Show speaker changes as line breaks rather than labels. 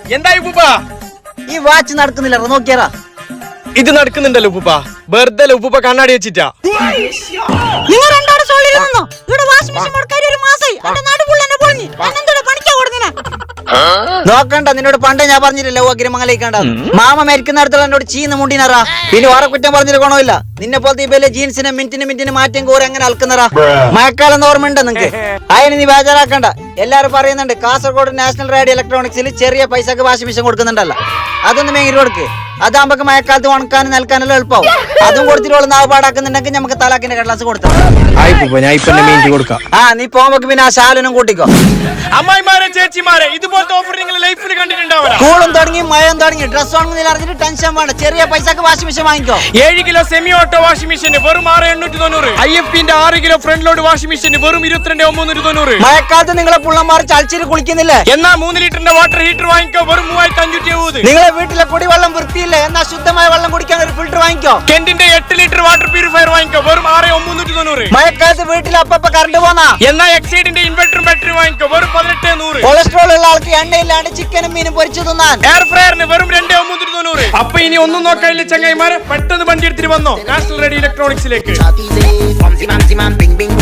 എന്തായി ഉപ്പ?
ഈ വാച്ച് നടക്കുന്നില്ല, നോക്കിയാറാ.
ഇത് നടക്കുന്നുണ്ടല്ലോ ഉപ്പ. വെറുതെ ഉപ്പ കണ്ണാടി വെച്ചിട്ടാ.
നിങ്ങൾ രണ്ടാളും സോളിൽ നിന്നോ? ഇവിടെ വാഷിംഗ് മെഷീൻ മുടക്കാൻ ഒരു മാസമായി. എന്റെ നടുപുള്ള എന്നെ പൊളിഞ്ഞു. അന്നെന്തോടെ പണിക്കാ കൊടുങ്ങനെ?
നോക്കണ്ട, നിന്നോട് പണ്ടേ ഞാൻ പറഞ്ഞില്ലല്ലോ അഗ്രമംഗലേക്കണ്ട. മാമ മരിക്കുന്നിടത്തോളം എന്നോട് ചീന്ന് മുണ്ടിനറാ. പിന്നെ വേറെ കുറ്റം പറഞ്ഞിട്ട് ഗുണമില്ല. നിന്നെ പോലത്തെ ഈ ജീൻസിനെ മിനിറ്റിന് മാറ്റം കോരി അങ്ങനെ അൽക്കുന്നറാ. മഴക്കാലം ഓർമ്മയുണ്ട് നിങ്ങക്ക്? അതിന് നീ ബേജാറാക്കണ്ട. എല്ലാരും പറയുന്നുണ്ട് കാസർഗോഡ് നാഷണൽ റേഡിയോ ഇലക്ട്രോണിക്സിൽ ചെറിയ പൈസക്ക് വാഷിംഗ് മെഷീൻ കൊടുക്കുന്നുണ്ടല്ലോ. അതൊന്ന് മേങ്ങിട്ട് കൊടുക്ക്. അതാകുമ്പോ മഴക്കാലത്ത് ഉണക്കാനും നിൽക്കാനെല്ലാം എളുപ്പമാവും. അതും കൊടുത്തിട്ട് നാവ് പാടാക്കുന്നുണ്ടെങ്കിൽ നമുക്ക് തലാക്കിന്റെ കടലാസ് കൊടുത്താൽ നീ പോകുമ്പോ പിന്നെ ആ ശാലനും കൂട്ടിക്കോ.
അമ്മായിമാരെ ചേച്ചിമാരെ ഇതുപോലത്തെ ഓഫർ നിങ്ങൾ ലൈഫിൽ കണ്ടിട്ടുണ്ടാവില്ല.
സ്കൂളും തുടങ്ങി മഴയും തുടങ്ങി ഡ്രസ് വാങ്ങുന്നില്ല അറിഞ്ഞിട്ട് ടെൻഷൻ വേണ്ട. ചെറിയ പൈസക്ക് വാഷിംഗ് മെഷീൻ വാങ്ങിക്കോ.
7 kilo semi auto washing machine വെറും 6,890. IFPന്റെ 6 kilo front load washing machine വെറും 22,390.
മഴക്കാലത്ത് നിങ്ങളെ പുള്ളന്മാർ ചളിച്ചിട്ട് കുളിക്കുന്നില്ലേ?
എന്നാ 3 ലിറ്ററിന്റെ വാട്ടർ ഹീറ്റർ വാങ്ങിക്കോ വെറും 3,570.
നിങ്ങളെ വീട്ടിലെ കുടിവെള്ളം വൃത്തിയില്ല, എന്നാ ശുദ്ധമായ വെള്ളം കുടിക്കാൻ ഒരു ഫിൽറ്റർ വാങ്ങിക്കോ.
കെന്റിന്റെ 8 ലിറ്റർ വാട്ടർ പ്യൂരിഫയർ വാങ്ങിക്കോ വെറും 6,390.
മഴക്കാലത്ത് വീട്ടിൽ അപ്പപ്പ കറണ്ട് പോന്നാ.
എന്നാ എക്സൈഡിന്റെ ഇൻവെർട്ടർ ബാറ്ററി വാങ്ങിക്കോ വെറും 18,100.
കൊളസ്ട്രോൾ ഉള്ള ആൾക്ക് എണ്ണയില്ലാണ്ട് ചിക്കനും മീനും പൊരിച്ചു തിന്നാൻ
എയർ ഫ്രയറിന് വെറും 2,990. അപ്പൊ ഇനി ഒന്നും നോക്കാനില്ല ചങ്ങായിമാരെ, പെട്ടെന്ന് വണ്ടി എടുത്തിട്ട് വന്നോ നാഷണൽ റേഡിയോ ഇലക്ട്രോണിക്സിലേക്ക്.